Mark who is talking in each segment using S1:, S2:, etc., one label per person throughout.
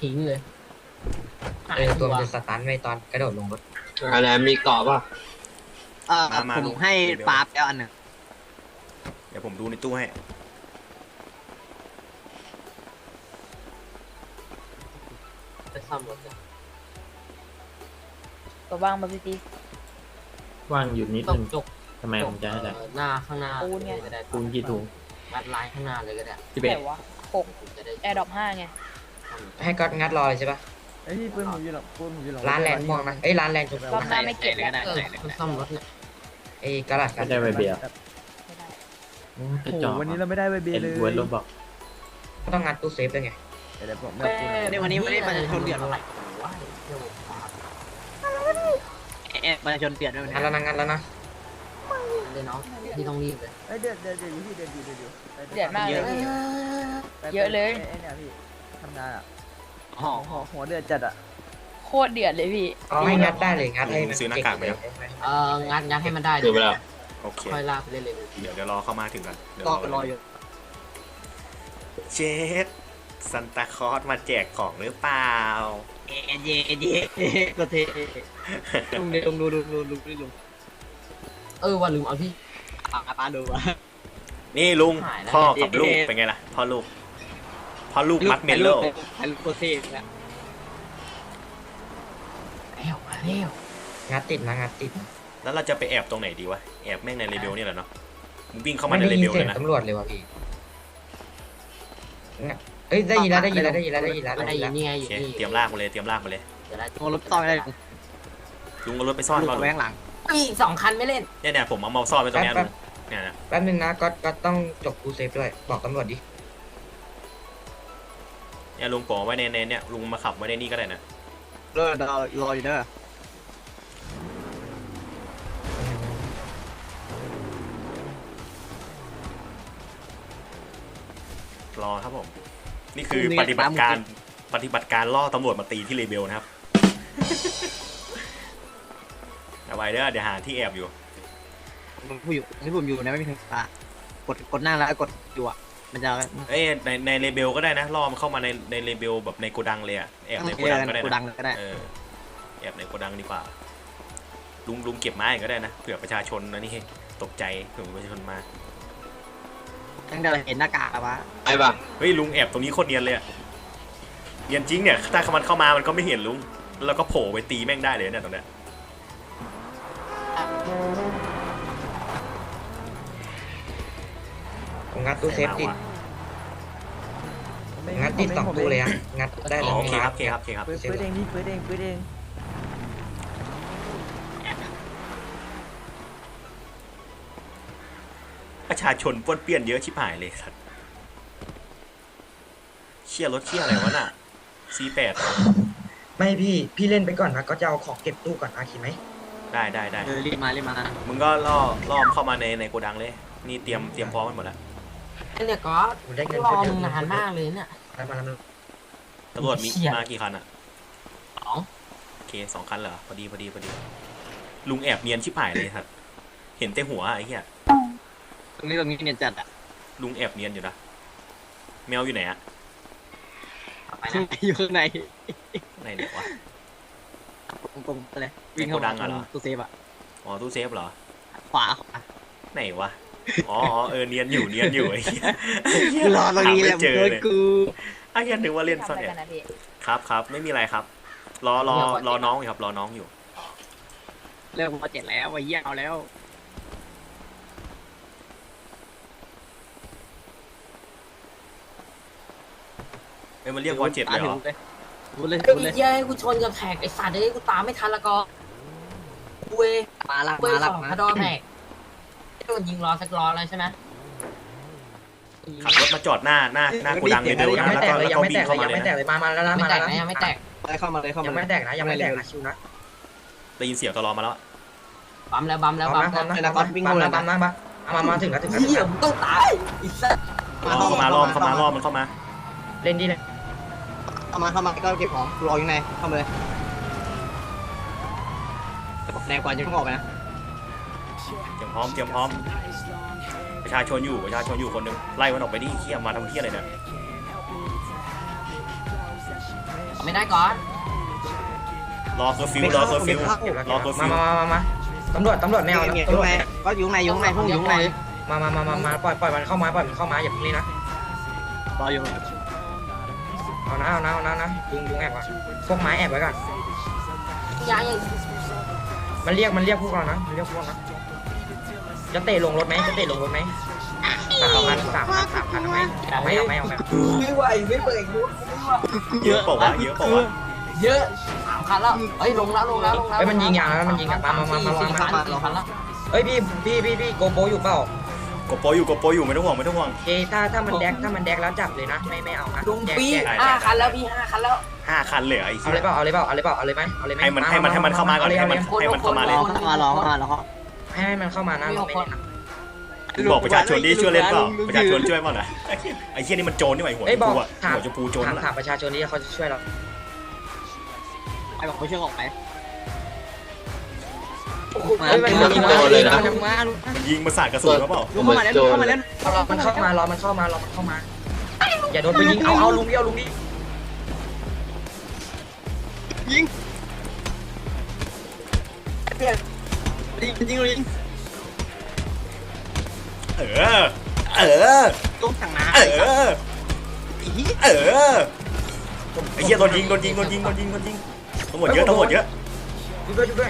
S1: ทิ้งเลย
S2: ตัวมันจะสตันไว้ตอนกระโดดลงรถ
S3: อะไรมีเกาะป่ะ
S4: ผมให้ปลาแล้วอันหนึ่ง
S5: เดี๋ยวผมดูในตู้ให้
S1: ไปซ่อมรถเลย
S6: ตัวว่างมาพี่ตี
S7: ว่างอยู่นิด
S1: ต้อ
S7: นึ
S1: ง
S7: ง
S1: จก
S7: ทำไมผมจะให้ได้
S1: หน้าข้างหน้า
S6: ปูนไง
S1: ก็ได้
S7: ปูนกี่ถุง
S1: งัดลายข้างหน้าเลยก็ได้
S7: 11
S6: แต่ว่า6
S1: จะได้
S6: แอร์ดรอป5ไง
S2: ให้ก็งัดรอเลยใช่ปะ
S8: ไอ้พี่ปืนผมอยู่หลังปืนผมอยู่หลัง
S2: ร้านแรงม่วงนะร้านแรงชม
S6: ร
S2: พู
S6: อบหน้าไม่เก็บแล้ว
S1: คนซ่อมรถเนี่ย
S2: กระดาษกั
S7: ก็
S2: น
S7: ได้ใบเบียร์
S6: ไม่ได้
S7: โอ้
S8: โอ้
S7: กระ
S8: โห
S7: จอก
S8: วันนี้เราไม่ได้ใบเบ
S7: เอ็น
S8: เลย
S7: เวิร์ดรถบอก
S2: ต้องงัดตู้เซฟด้วยไง
S8: เดี๋ยวผมไม่เอาปืน
S4: ในวันนี้ไม่ได้ประชาชนเดือด
S1: อะ
S4: อะไร ไร
S1: วะเดี๋ยวปาด
S4: ประชาชนเดือดด้วย
S2: งัดแล้วนะงัดแล้วนะ
S1: เลยน้องพี่ต้องรีบเลย
S8: เอ้ยเดือดอยู่พี่เดือดอยู่
S6: เดือดมากเลยพี่ เยอะเลย
S8: ไอ้เนี่ยพี่ทำงานอ่ะ
S4: อ๋อ
S8: หัวเดือดจัดอ่ะ
S6: โคตรเดือดเลยพี่
S2: เอาให้งัดได้เลยงัดให้มัน
S5: ซื้อหน้ากากไหมครับ
S1: งัดให้มันได้
S3: ดูไปแล้ว
S5: โอเค
S1: ค่อยลากไปเรื่อย
S5: เดี๋ยวรอเข้ามาถึงกันเดี๋ยว
S4: ก็รออยู่
S5: เจสซันตาคลอสมาแจกของหรือเปล่า
S4: เอเยก็เทลุงเดี๋ยวลุงดู
S1: ว่าลืมเอาที่
S4: ปลาดูวะ
S5: นี่ลุง
S1: หายแล้ว
S5: พ่อกับลูกเป็นไงล่ะพ่อลูกมัดเมลโล่
S4: ลูกก็เทแล้ว
S1: แล้วมาแล้ว
S2: งัดติดนะงัดติด
S5: แล้วเราจะไปแอบตรงไหนดีวะแอบแม่งในเรเบลนี่แหละเนาะมึงวิ่งเข้ามา
S2: ไม่
S5: ใน
S2: ได้
S5: เร
S2: ยิน
S5: เบล
S2: เสี
S5: เลย ย
S2: ง
S5: นะ
S2: ตำรวจเลยว่ะพี่ได้ยินแล้วได้ยินแล้วได้ยินแล้วได้ยินแล้ว
S1: ได้ยินนี่ไง
S5: โอ
S1: อยู่
S5: เค
S1: นี่
S5: เตรียมลากมาเลย
S1: จะได้
S4: รถต่อยได้
S5: ลุงเอารถไปซ่อน
S4: ลูก
S5: ก่อนลุ
S4: แว
S5: ง
S4: งหลัง
S1: อีก2 คันไม่เล่น
S5: เนี่ยผมเอาเมาซ่อนไว้ตรงเนี้ยลุงเนี่ยนะ
S2: แป๊บนึงนะก็ต้องจบกูเซฟด้วยบอกตำรวจดิ
S5: เนี่ยลุงปอไว้ในเนี่ยลุงมาขับไว้ในนี่ก็ได้นะ
S4: รออยู่เด้อ
S5: รอครับผมนี่คือปฏิบัติการล่อตำรวจมาตีที่เรเบลนะครับ เอาไว้เด้อเดี๋ยวหาที่แอบอยู่
S4: ผมอยู่นะไม่มีใครปากดหน้าแล้วกดอยู่อ่ะมันจะ
S5: เอ้ยในเรเบลก็ได้นะล่อมันเข้ามาในเรเบลแบบในโกดังเลยอะแอบในโกดังก็ได้
S4: กูดั
S5: นะ
S4: งก็ได้
S5: แอบในโกดังดีกว่าลุงเก็บไม้ก็ได้นะเผื่อประชาชนนะนี่ตกใจเผื่อประชาชนมา
S4: ตั้งแต่เห็นหน้ากากวะ
S3: ไอ้ป่ะ
S5: เฮ้ยลุงแอบตรงนี้โคตรเนียนเลยอะเนียนจริงเนี่ยถ้ามันเข้ามามันก็ไม่เห็นลุงแล้วก็โผล่ไปตีแม่งได้เลยเนี่ยตรงเนี้ย
S2: ผมงัดตู้เซฟติดงัดติด2ตู้เลยอะงัดได้เลย
S5: โอเคครับ
S8: ปืนเองพี่ปืนเอง
S5: ประชาชนป้วนเปี้ยนเยอะชิบหายเลยสัตว์เชี่ยรถเชี่ยอะไรวะน่ะ C8
S2: ไม่พี่เล่นไปก่อนนะก็จะเอาของเก็บตู้ก่อนนะคิดไหม
S5: ได้
S4: รีบมา
S5: มึงก็ล่อมเข้ามาในโกดังเลยนี่เตรียมพร้อมกันหมดแล้ว
S1: เนี่ยก็
S2: ผมได้เงิน
S1: รอมึงนานมากเลยเนี่ย
S2: มาแล้ว
S5: ตำรวจมี
S1: เชี่ย
S5: มากี่คันอ่ะ
S1: 2
S5: โอเค2 คันเหรอพอดีลุงแอบเนียนชิบหายเลยครับเห็นแต่หัวไอ้เหี้ย
S4: ตรงนี้เนี่ยจัดอ่ะ
S5: ลุงแอบเนียนอยู่นะแมวอยู่ไหนอะ
S1: ไปนะ
S4: อยู่ข้างใน
S5: ไหนเดี๋ยววะ
S4: ตรงไปเลยวิ่งเข้ามาตู้เซฟอ่ะ
S5: อ๋อตู้เซฟเหรอ
S4: ขวา
S5: ไหนวะอ๋อเนียนอยู่ไอ้เหี้ย
S4: รอตรงนี้แหละ
S5: เจอ
S4: เพื่อน
S5: เลย
S4: กู
S5: ไอ้เหี้ยนึกว่าเล่นซ่อน
S6: ทำอะไร
S5: แอ
S6: กันนะพี่
S5: บครับไม่มีอะไรครับรอน้องอยู่ครับรอน้องอยู่
S4: เริ่มมา7แล้วไอ้เหี้ยเอาแล้ว
S5: มันเรียกว่า7เลยเหรอ
S4: พูดเลย
S1: ไอ้เหี้ยกูชนกับแท็กไอ้สัตว์กูตามไม่ทันละก็เว้ย
S4: มาละ
S1: ของกระดอนแท็กโดนยิงล้อสักล้อแล้วใช่ไหม
S5: ขับรถมาจอดหน้าโกดังเลยเดี๋ยว
S2: ยัง
S5: นะ
S2: ไม่
S5: แล้ว
S2: แต
S5: ก็
S2: กเลย
S5: แล้ว
S2: ยัง
S5: ก็
S2: ไม่
S5: วิ่
S2: แต
S5: ง
S2: ก
S5: เข้า
S2: เลย
S5: มา
S2: ยัง
S5: เลย
S2: ไม่แต
S5: นะ
S2: กเลยมาแล้ว
S1: ไม่
S2: มา
S1: แต
S2: แล้ว
S1: กนะยังไม่แตก
S4: เข้ามาเลย
S2: ยังไม่แตกนะยังไม่แตกนะชิวนะ
S5: ได้ยินเสียงตลอมาแล้ว
S1: บัมแล้ว
S2: พร้อมนะมาถึงแล้ว
S1: เหี้ยมึงต้องตายไอ้สัตว์
S5: ล่อมันเข้ามา
S2: เล่นดีเลย
S4: เข้ามาก็เก็บของรออยู่ในเข้ามาเลยแต่บอกแนวก่อนจะต้องออกไปนะ
S5: เตรียมพร้อมประชาชนอยู่คนหนึงไล่มันออกไปดิเหี้ยมาทำเหี้ยอะไรเนี่ย
S1: ไม่ได้ก่อน
S5: รอเคอร์ฟิวรอเคอร์ฟิวรอเคอร์ฟิว
S2: มาตำรวจไม่เอา
S4: เนี่ย
S2: ตำรวจ
S4: ก็อยู่ในพวกอยู่ใน
S2: มาปล่อยมันเข้ามาอย่าเพิ่งนี่นะ
S4: รออยู่
S2: เอานะลุงแอบก่อนพวกไม้แอบไว้ก่อน
S1: ย้ายอย่าง
S2: มันเรียกพวกเรานะจะเตะลงรถไหม3,000ไหมไม่เอา
S8: ไม่ไหวไม่เปิดยุ้
S5: เยอะเปล่าวะ
S1: เยอะ3 คันแล้วเฮ้ยลงแล้ว
S2: เฮ้ยมันยิงยางแล้วมันยิงมา
S1: 4 คันแล้ว
S2: เฮ้ยพี่โกโบอยู่เปล่าก
S5: ดโปอยู่ไม่ต้องห่วง
S2: โอเคถ้ามันแดกแล้วจับเลยนะไม่เอานะ
S1: ลุงปี5 คันแล้วพี่5 คันแล้ว
S5: 5 คันเลยไอ้
S2: เอา
S5: เหี้
S2: เลย ยเปล่าเอาเลยไหม
S5: ให้มันเข้ามาก่อนให้มันเข้ามาเลย
S4: รอ
S2: ให้มันเข้ามานะ
S5: บอกประชาชนดิช่วยเล่นเปล่าประชาชนช่วยเปล่านะไอ้เหี้ยนี่มันโจรนี่หว่าหัว
S2: เอ้ยบอก
S5: หัวจะปูโจรนั่นแหละ
S2: ถามประชาชนนี่เขาจะช่วยเรา
S4: ไอ้บอกเขาช่วยออกไป
S2: มัน
S5: ยิงมาสาดกระสุนเขาเปล่า
S4: ลุงเข้ามาแล้ว
S2: มันเข้ามารอมันเข้ามาอย่าโดนไปยิงเอาลุงดิ
S4: ยิงลุงสั่งน้ำ
S5: ไอ้เหี้ยโดนยิงทั้งหมดเยอะ
S2: ช่วยด้วย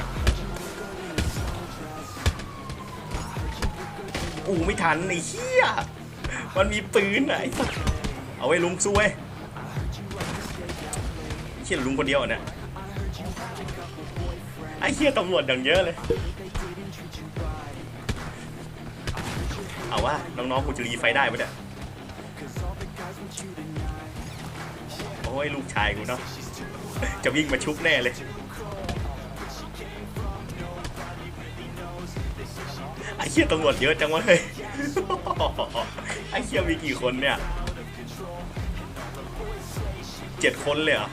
S5: ไม่ทันไอ้เหี้ยมันมีปืนไหนเอาไว้ลุงสู้เว้ยเหี้ยลุงคนเดียวเนี่ยไอ้เหี้ยตำรวจอย่างเยอะเลยเอาว่าน้องๆกูจะรีไฟได้ปะเนี่ยโอ้ยลูกชายกูเนาะจะวิ่งมาชุบแน่เลยไอ้เหี้ยตำรวจเยอะจังวะเฮ้ยไอ้เหี้ยมีกี่คนเนี่ย7 คนเลยเหรอ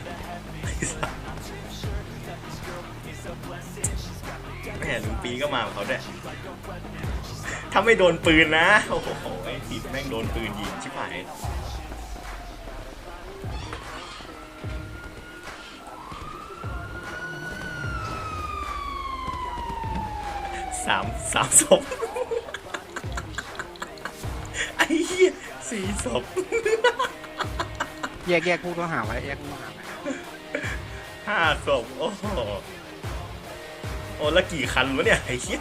S5: แม่ลุงปีก็มาของเขาด้วยถ้าไม่โดนปืนนะโอ้โหไอ้ทีแม่งโดนปืนยิงชิบหายสามศพไอ้เหี้ย4 ศพ
S4: แยกผู้ต้องหาไว้
S5: 5 ศพโอ้โหแล้วกี่คันวะเนี่ยไอ้เหี้ย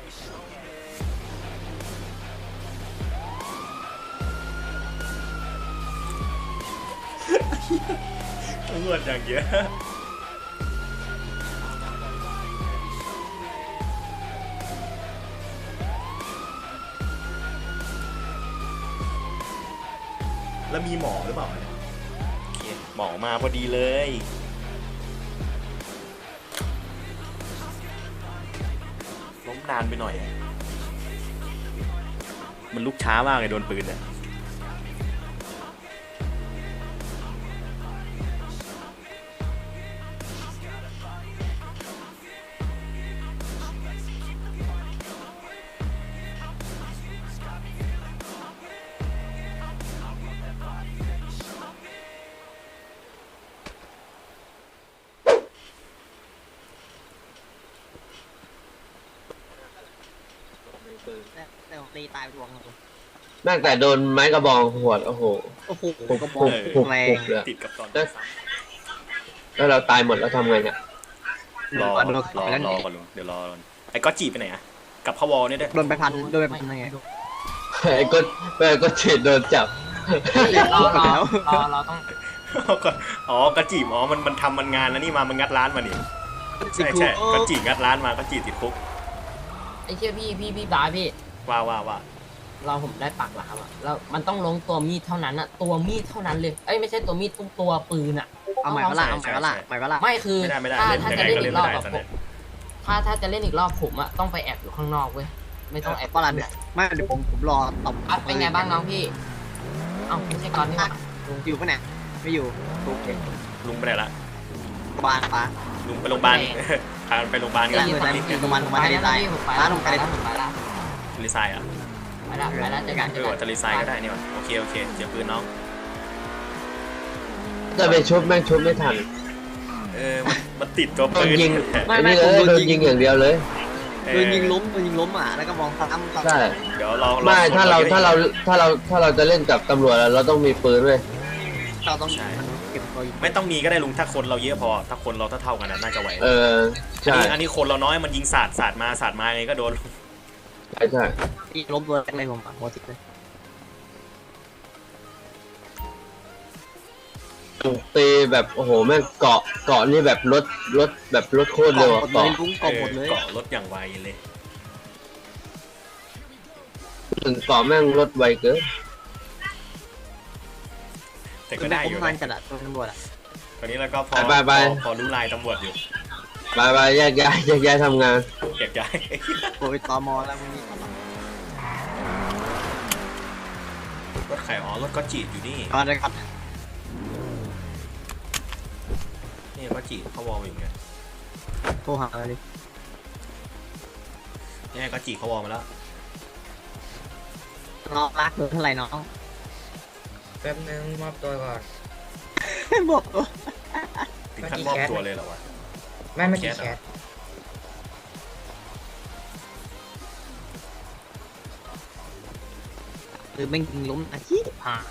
S5: ตำรวจอย่างเยอะแล้วมีหมอหรือเปล่าเนี่ยโอเคหมอมาพอดีเลยล้มนานไปหน่อยมันลุกช้ามากเลยโดนปืนเนี่ย
S4: แต่ตีตายไปดวง
S7: ตั้งแต่โดนไม้กระบองหวดโอ้โห ปุกเลย
S5: ติดกับตอน
S7: แล้วเราตายหมดแล้วทำไงเนี่ย
S5: รอก่อนลุงเดี๋ยวรอก่อนไอ้ก๊อตจีไปไหนอะกับพวอเนี่ยด้วย
S4: โดนไปพันยังไง
S7: ไอ้ก็เฉดโดนจับ
S1: เราต้อง
S5: กระจีบมันทำมันงานแล้วนี่มันงัดร้านมานี่ใช่กระจีงัดร้านมากระจีติดคุก
S1: ไอ้เชี่ยพี่บาพี่
S5: ว่า
S1: เราผมได้ปากหลามอ่ะแล้วมันต้องลงตัวมีดเท่านั้นอ่ะตัวมีดเท่านั้นเลยเอ้ยไม่ใช่ตัวมีดตัวปืนอ่ะ
S4: เอาใหม่ก็ล่ะ
S1: ไม่คือ
S5: ไม่ได้
S1: ถ้าจะเล่นอีกรอบแบบ
S5: เล่น
S1: ถ้าจะเล่นอีกรอบผมอ่ะต้องไปแอบอยู่ข้างนอกเว้ยไม่ต้องแอบ
S4: ก็ล่ะเนี่ยไม่เดี๋ยวผมรอตบ
S1: เป็นไงบ้างน้องพี่เอ้าไม่ใช่ก่อนนี่หว่า
S4: อยู่ปะเนี่ยไม่อยู่โอเค
S5: ลุงไปไหนละ
S4: บ้านป้า
S5: ลุงไปโรงพยาบาลพาไปโรงพยาบาลกัน
S4: ประมาณทะเลทรายร้านลงไปเลย
S1: ไปละ
S5: ทะเลทรายอ่ะ
S1: ไปละเจอกัน
S5: ทะเลทรายก็ได้นี่วะโอเคเสียปืนน้อง
S7: จะไปชุบแม่งชุบไม่ทัน
S5: มันติดตัว
S7: โด
S5: ปื
S7: น
S5: น
S7: ยิง
S4: ไม่
S7: อัน
S4: ไม่
S7: นี้
S4: ผม
S7: เลย
S4: โด
S7: โด
S4: น
S7: น
S4: ยิ
S7: ยิ
S4: ง
S7: งอย่างเดียวเลย
S4: โดนยิงล้มอ่ะแล้วก็มองซ้ำ
S7: ใช่
S5: เดี๋ยวเรา
S7: ไม่ถ้าเราจะเล่นกับตำรวจเราต้องมีปืนเว้ย
S4: เราต้องเก็บตัวอยู่
S5: ไม่ต้องมีก็ได้ลุงถ้าคนเราเยอะพอ ถ้าคนเราเท่าๆกันน่าจะไหว
S7: ใช่
S5: อันนี้คนเราน้อยมันยิงสาดมาไงก็โดน
S7: ใช่
S4: ที่ล้มตัวแรกเลยผมอ่ะหัวติดเลย
S7: ตีแบบโอ้โหแม่งเกาะนี่แบบรถแบบรถโคตรเร็ว
S4: หม
S7: อะ
S4: ดเลย
S7: เกาะ
S4: ลุ้งกบหมดเลย
S5: เกาะรถอย่างไวเลย
S7: ถึงเกาะแม่งรถไวเกิน
S5: แต่ก็ได้อยู่
S4: ผมมันจัดอะตัวตำรวจอะ
S5: ตอนนี้เราก็พอรู้ลายตำรวจอยู่
S7: ไปแยกย้ายทำงาน
S5: เก็บย้าย
S4: โอ้ยตมแล้วมึงนี่
S5: รถไข่อ๋อรถก็จีดอยู่นี่
S4: ก่อนเลยครับ
S5: นี่ก็จีดเขาวอลอยู่ไง
S4: โทรหาเลย
S5: นี่ก็จีดเขาวอลมาแล้ว
S4: น้องรักเท่าไหร่น้อง
S2: แป๊บนึงมอบตัวก่อน
S4: บอกตัว
S5: ถึงขั้นมอบตัวเลยเหรอวะ
S2: ไม่กี่แคส
S4: คือแม่งยิงล้มอาชีพผ่า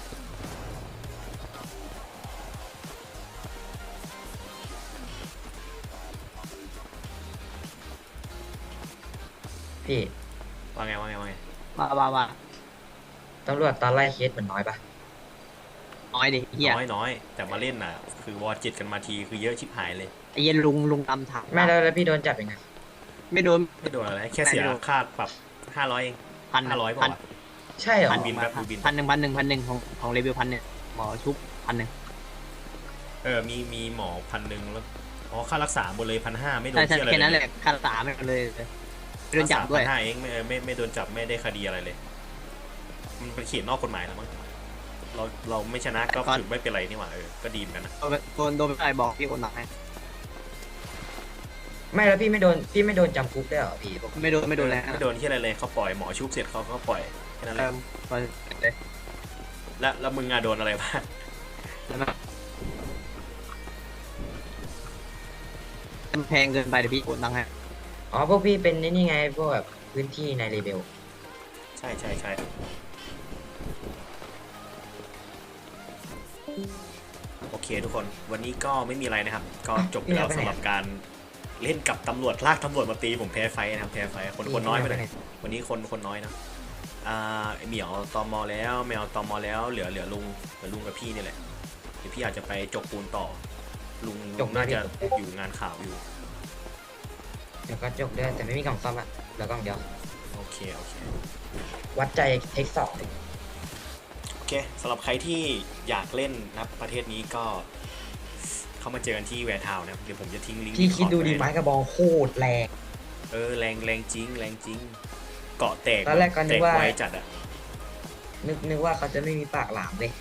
S2: พี่
S5: ว่าไง
S4: ว่า
S2: ตำรวจตอนไล่เคสเหมือนน้อยปะ
S4: น้อยดิเฮีย
S5: น้อยแต่มาเล่นน่ะ คือวอร์จิตกันมาทีคือเยอะชิบหายเลย
S4: ไอ้เย็นลุงตำถาม
S2: ไม่แล้วพี่โดนจับยังไง
S4: ไม่โดน
S5: ไม่โดนอะไรแค่เสียค่าปรับ500เอง 500
S4: พัน
S5: ป่ะ
S2: ใช่เหรอ
S5: พันบินครับดูบิน
S4: พันหนึ่งของเลเวล1,000หมอชุบ1,000
S5: มีหมอ1,000แล้วอ๋อค่ารักษาหมดเลย1,500ไม่โดน
S4: ใช่
S5: เที่ยอะไร
S4: แค่นั้น
S5: เล
S4: เลย ยค่ารักษาไม่เลยโดนจับด้วย
S5: 1,500เองไม่โดนจับไม่ได้คดีอะไรเลย มันเป็นเขียนนอกกฎหมายแล้วมั้งเราไม่ชนะก็ถือไม่เป็นไรนี่หว่าก็ดีเหมือนกันนะ
S4: โดนไปบอกพี่คนหนักให้
S2: ไม่แล้วพี่ไม่โดนจำคุกได้วยเหรอพี่
S4: ไม่โดนแล้ว
S5: ไม่โดนที่อะไรเลยเขาปล่อยหมอชุบเสร็จเขาก็ปล่อยแค่นั้นเลย
S4: เลย
S5: แล้วมึงอะโดนอะไรบ้าง
S4: แพงเกินไปเดี๋ยวพี่โอนตังค์ให้
S2: อ๋อพวกพี่เป็นนี่ไงพวกแบบพื้นที่ในเลเบล
S5: ใช่โอเคทุกคนวันนี้ก็ไม่มีอะไรนะครับ ก็จบไปแล้วสำหรับการเล่นกับตำรวจลากตำรวจมาตีผมแพ้ไฟนะครับแพ้ไฟคนน้อยไปเลยวันนี้คนน้อยนะเหมียวตมแล้วแมวตมแล้วเหลือลุงกับพี่นี่แหละเดี๋ยวพี่อาจจะไปจกปูนต่อลุงน่าจะอยู่งานข่าวอยู่
S2: เดี๋ยวก็จบด้วยแต่ไม่มีกล่องซ่อมอะแล้วกล่องเดียว
S5: โอเค
S2: วัดใจเทคสอง
S5: โอเคสำหรับใครที่อยากเล่นนะประเทศนี้ก็เข้ามาเจอกันที่แวร์ทาวน์นะครับเดี๋ยวผมจะทิ้งลิงก์
S2: พี่คิดดูดิ
S5: ไว้
S2: ไม้กระบองโคตรแรง
S5: แรงจริงเกาะแตก
S2: ตอนแรกก็นึกว่า
S5: ไวจัดอะ
S2: นึกว่าเขาจะไม่มีปากหลามเลย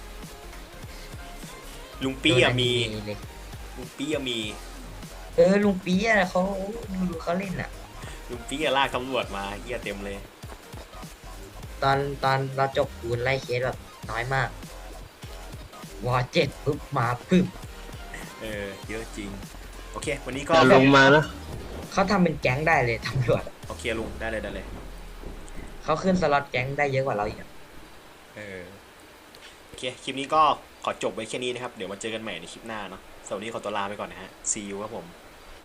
S5: ลุงปี้อะมี
S2: โดนเลย
S5: ลุงปี้อะมี
S2: ลุงปีอะเขาดูเขาเล่นอะ
S5: ลุงปี้อะลากตำรวจมาเหี้ยเต็มเลย
S2: ตอนเราจบปูนไล่เคสแบบน้อยมากวอเจ็ดปุ๊บมาปึ๊บ
S5: เยอะจริงโอเค วันนี้ก็
S7: จะลงมานะ
S2: เขาทำเป็นแก๊งได้เลยตำรวจอะ
S5: โอเคลุงได้เลย
S2: เขาขึ้นสล็อตแก๊งได้เยอะกว่าเราอีกอะ
S5: โอเคคลิปนี้ก็ขอจบไว้แค่นี้นะครับเดี๋ยวมาเจอกันใหม่ในคลิปหน้าเนาะสวัสดีขอตัวลาไปก่อนนะฮะ see you ครับผม